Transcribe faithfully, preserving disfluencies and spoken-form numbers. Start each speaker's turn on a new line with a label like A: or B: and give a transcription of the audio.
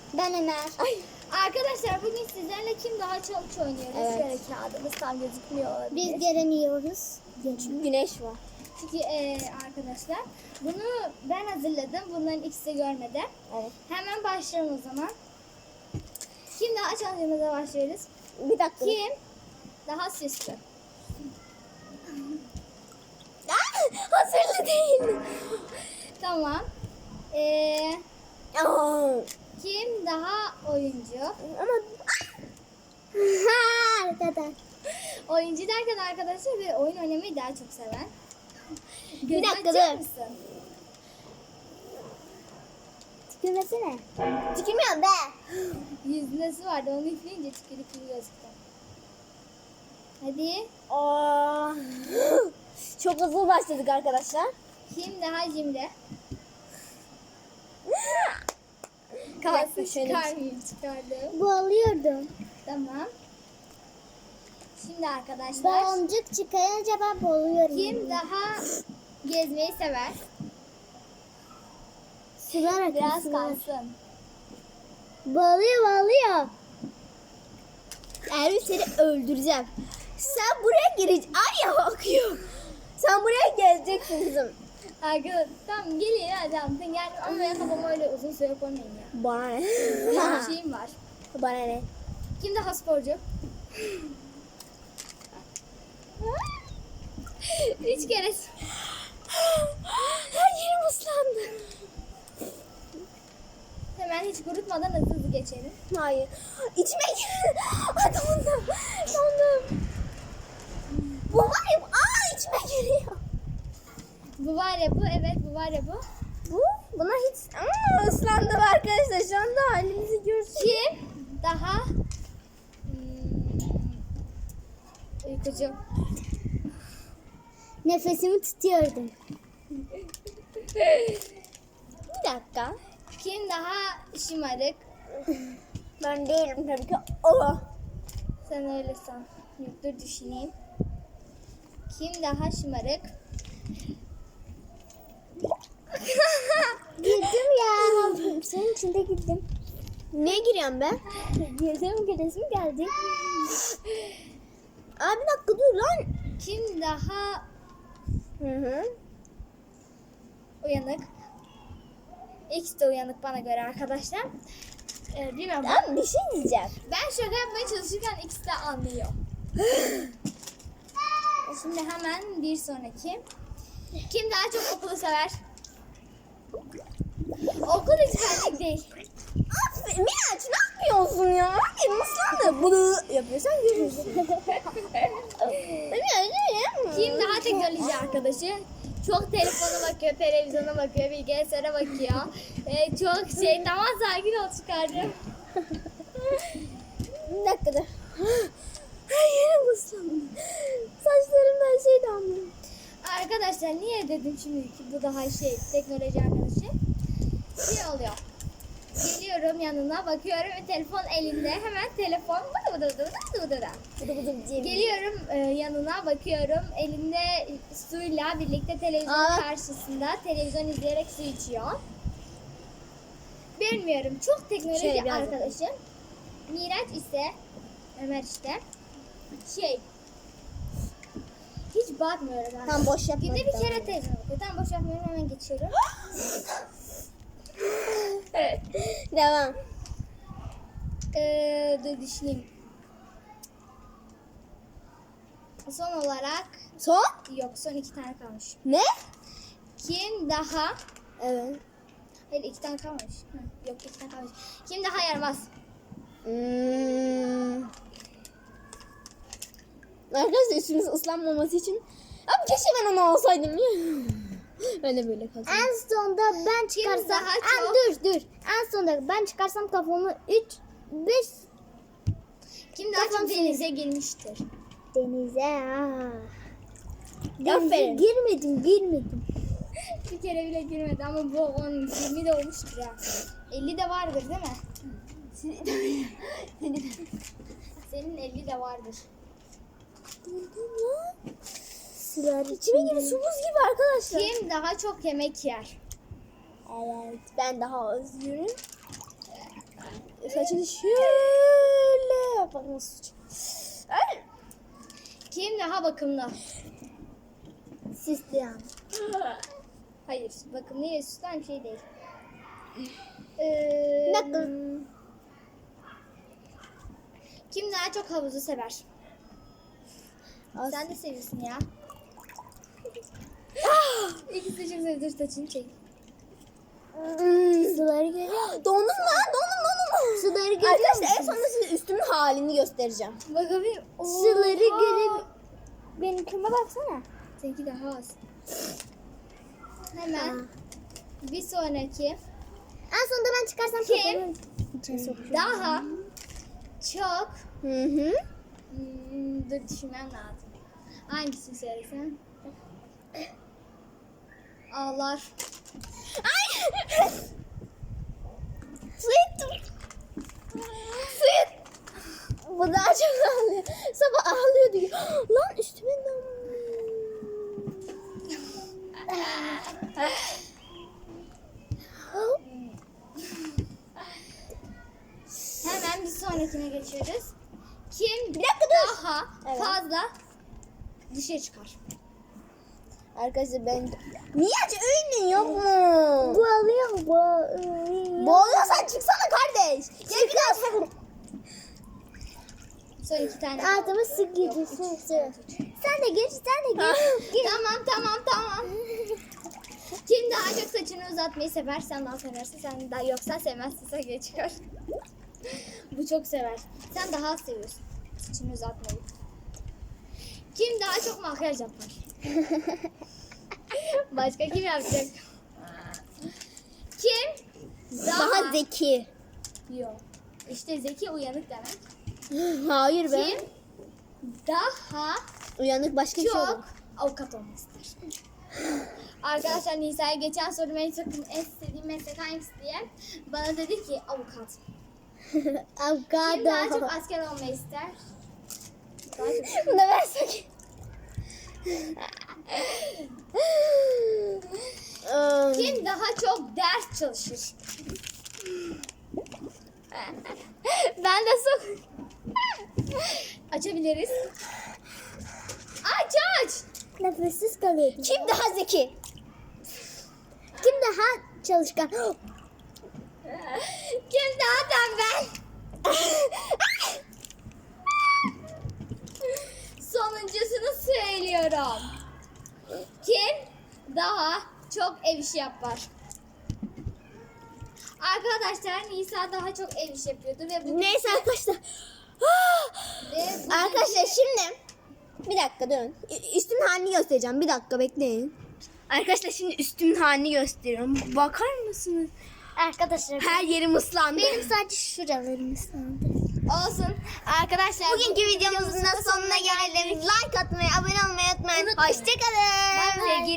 A: Ben Ömer. Ay.
B: Arkadaşlar bugün sizlerle kim daha çok oynuyoruz?
A: Evet.
B: Şöyle kağıdımız tam gözükmüyor olabilir.
A: Biz göremiyoruz.
C: Çünkü güneş var.
B: Çünkü e, arkadaşlar bunu ben hazırladım. Bunların ikisi de görmedi.
C: Evet.
B: Hemen başlayalım o zaman. Kim daha challenge'ımıza başlıyoruz?
C: Bir dakika.
B: Kim daha süslü?
C: Hazırlı değil.
B: Tamam. Ee,
C: Aa,
B: kim daha oyuncu?
C: ama
A: Ha, arkadaş.
B: Oyuncu derken arkadaşlar ve oyun oynamayı daha çok seven.
C: Bir dakika,
B: Gözü açar
C: dur.
B: mısın?
A: Tükürmesene.
C: tükürmüyorum be.
B: Yüzünde su vardı onu üfleyince tükürük gibi gözüktü. Hadi.
C: Aa, çok hızlı başladık arkadaşlar.
B: Kim daha cimri?
C: Bir
B: Kalsın
C: dakika, şöyle bir şey.
B: çıkarmayayım çıkardım.
A: Boğuluyordum.
B: Tamam. Şimdi arkadaşlar
A: Boncuk çıkayınca ben boğuluyorum.
B: kim daha gezmeyi sever?
A: Sular akıyor.
B: Biraz
A: sular.
B: kalsın.
A: Boğuluyor boğuluyor.
C: Erbil seni öldüreceğim. Sen buraya gireceksin. Ay ya akıyor. Sen buraya geleceksin kızım.
B: Arkadaşlar tamam gelin hadi anlatın gel ama ben kafamı öyle uzun süre koymayın ya.
C: Bana ne?
B: Bir şeyim var.
C: Bana ne?
B: Kim daha sporcu? Üç kere.
C: Her yerim ıslandı.
B: Hemen hiç kurutmadan hızlı hızlı geçelim.
C: Hayır. İçime girdi. Ay dondum. Dondum. Bu var ya. Aa içime giriyor.
B: Bu var ya bu evet bu var ya bu.
C: Bu buna hiç Aa, ıslandım arkadaşlar. Şu anda halimizi görsün.
B: Kim daha hmm, uykucu?
A: Nefesimi tutuyordum.
C: Bir dakika.
B: Kim daha şımarık?
C: Ben değilim tabii ki. Oh.
B: Sen öyle san. Yok, dur düşüneyim. Kim daha şımarık?
A: Girdim ya. Senin içinde girdim.
C: Neye giriyorum ben?
A: Girdim giresim geldi.
C: Aa bir dakika dur lan.
B: Kim daha
C: Hı hı.
B: uyanık? İkisi de uyanık bana göre arkadaşlar. Ee, bilmiyorum.
C: Ben bir şey diyeceğim.
B: Ben şaka yapmaya çalışırken ikisi de anlıyor. Şimdi hemen bir sonraki. Kim daha çok okulu sever? Okul hiç benlik değil.
C: Aferin Miraç ne yapıyorsun ya? Elim ıslandı. Bunu yapıyorsan görürsün.
B: Kim daha teknoloji arkadaşı? Çok telefona bakıyor, televizyona bakıyor, bilgisayara bakıyor. Ee, çok şey, tamam sakin ol çıkardım.
C: Bir dakika dur. Her yerim ıslandı. Saçlarımdan şey damlıyor.
B: Arkadaşlar niye dedim şimdi ki bu daha şey teknoloji arkadaşı? Şey oluyor. Geliyorum yanına bakıyorum ve telefon elinde hemen telefon bıdı bıdı bıdı bıdı bıdı bıdı.
C: Bıdı bıdı bıdı.
B: Geliyorum e, yanına bakıyorum elinde suyla birlikte televizyon
C: Aa.
B: karşısında televizyon izleyerek su içiyor. Bilmiyorum çok teknoloji
C: Şöyle biraz
B: arkadaşım. Miraç ise Ömer işte şey hiç bakmıyorum ben.
C: Tam boş yapma.
B: Günde bir kere televizyon bakıyor. Tam boş yapmıyorum hemen geçiyorum.
C: Devam.
B: Ee, dur düşüneyim. Son olarak
C: Son?
B: yok son iki tane kalmış.
C: Ne?
B: Kim daha
C: Evet.
B: hayır iki tane kalmış. Hı, yok iki tane kalmış. Kim daha yaramaz?
C: Hmm. Arkadaşlar üstümüz ıslanmaması için. Abi keşke ben onu alsaydım ya. Öyle böyle kalsın.
A: En sonunda ben çıkarsam.
B: daha
A: En,
B: çok-
A: dur dur. En sonunda ben çıkarsam kafamı üç beş
B: Kim daha
A: Kafam
B: çok
A: senin.
B: denize girmiştir?
A: denize. Ha. Denize
C: Aferin.
A: girmedim girmedim.
B: Bir kere bile girmedi ama bu on yirmi de olmuştur ya. elli de vardır değil mi? Senin elli de vardır.
A: Sular
C: İçime gibi
A: içinde.
C: su buz gibi arkadaşlar.
B: Kim daha çok yemek yer?
C: Evet ben daha az yiyorum. saçını şöyle yap. Bak nasıl sıçıyor. Ay.
B: Kim daha bakımlı?
A: Sisli yani.
B: Hayır, bakımlı ile süslen bir şey değil. Ee,
A: Bir dakika.
B: Kim daha çok havuzu sever?
C: Az-
B: Sen de seviyorsun ya. İkisi de çok seviyor. Dur saçını çek.
A: Suları görüyor musun?
C: Dondum lan dondum dondum.
A: Suları görüyor
C: Arkadaşlar en
A: musun?
C: sonunda size üstümün halini göstereceğim.
B: Bakabilir.
A: Suları
B: Oha!
A: görüyor. Benimkime baksana.
B: Seninki daha az. Hemen bir sonraki
A: En sonunda ben çıkarsam
B: Kim?
A: kafamı içine sokacağım.
B: daha çok
C: Hı hı.
B: hmm, dur düşünmem lazım. Hangisini söylesem? Ağlar.
C: Ay. Su ettim. Su et. Bu daha çok ağlıyor. Sabah ağlıyordu. Lan üstüme damlıyor.
B: Hemen bir sonrakine geçiyoruz. Kim
C: Bir dakika dur.
B: daha
C: Evet.
B: fazla dışarı çıkar?
C: Arkadaşlar ben... Niye aç öğünün yok mu?
A: Bu alıyor mu? Bu.
C: Boğuluyorsan çıksana kardeş. Gel biraz.
B: Son iki tane.
A: Altıma su girdi. Su su. Sen de gir, sen de gir. Gir.
B: Tamam tamam tamam. Kim daha çok saçını uzatmayı sever? Sen daha seversin. Sen daha yoksa sevmezsin. Sen geç çıkar. Bu çok sever. Sen daha az seviyorsun saçını uzatmayı. Kim daha çok makyaj yapar? Başka kim yapacak? Kim daha,
C: Daha zeki.
B: Yok. İşte zeki uyanık demek.
C: Hayır be.
B: Kim daha
C: Uyanık başka bir şey olur.
B: çok avukat olmak ister? Arkadaşlar Nisa'ya geçen sorum en çok en istediğim meslek hangisi diye bana dedi ki avukat. Kim daha çok
A: Avokado.
B: asker olmayı ister? Daha çok.
C: Bunu da versek.
B: Kim daha çok ders çalışır? Ben de sok. Açabiliriz. Aç aç.
A: Nefessiz kalıyor.
C: Kim daha zeki?
A: Kim daha çalışkan?
B: Kim daha tembel? Sonuncusunu söylüyorum. Kim daha çok ev işi yapar? Arkadaşlar Nisa daha çok ev işi yapıyordu ve bu
C: Neyse arkadaşlar.
B: ve bu-
C: Arkadaşlar şimdi bir dakika durun. Ü- Üstümün halini göstereceğim. Bir dakika bekleyin. Arkadaşlar şimdi üstümün halini gösteriyorum. Bakar mısınız?
A: Arkadaşlar
C: Her yerim ıslandı.
A: benim sadece şuralarım ıslandı.
B: olsun. Arkadaşlar
C: Bugünkü videomuzun da sonuna geldik. Like atmayı, abone olmayı unutmayın. Hoşçakalın.
B: Sevgili